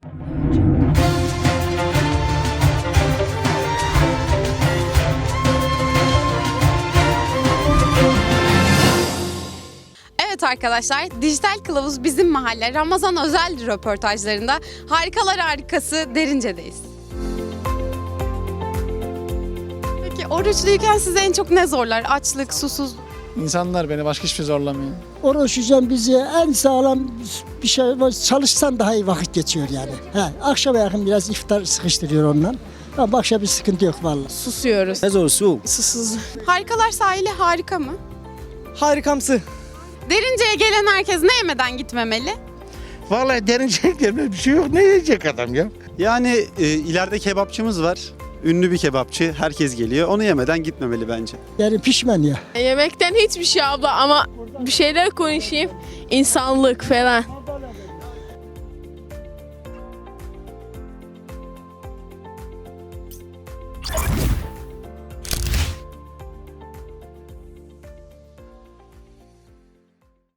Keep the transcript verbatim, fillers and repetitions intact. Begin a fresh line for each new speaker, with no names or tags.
Evet arkadaşlar, Dijital Kılavuz Bizim Mahalle Ramazan özel röportajlarında Harikalar Harikası Derince'deyiz. Peki oruçluyken sizi en çok ne zorlar? Açlık, susuz...
İnsanlar beni başka hiçbir şey zorlamıyor.
Oruç hocam bizi en sağlam bir şey var. Çalışsan daha iyi vakit geçiyor yani. He, akşama yakın biraz iftar sıkıştırıyor ondan. Ama başka bir sıkıntı yok vallahi.
Susuyoruz.
Ne zor su.
Susuz.
Harikalar sahili harika mı?
Harikamsı.
Derince'ye gelen herkes ne yemeden gitmemeli?
Vallahi derinecek yerine bir şey yok. Ne yiyecek adam ya?
Yani e, ileride kebapçımız var. Ünlü bir kebapçı. Herkes geliyor. Onu yemeden gitmemeli bence.
Yani pişman ya.
Yemekten hiçbir şey abla ama bir şeyler konuşayım. İnsanlık falan.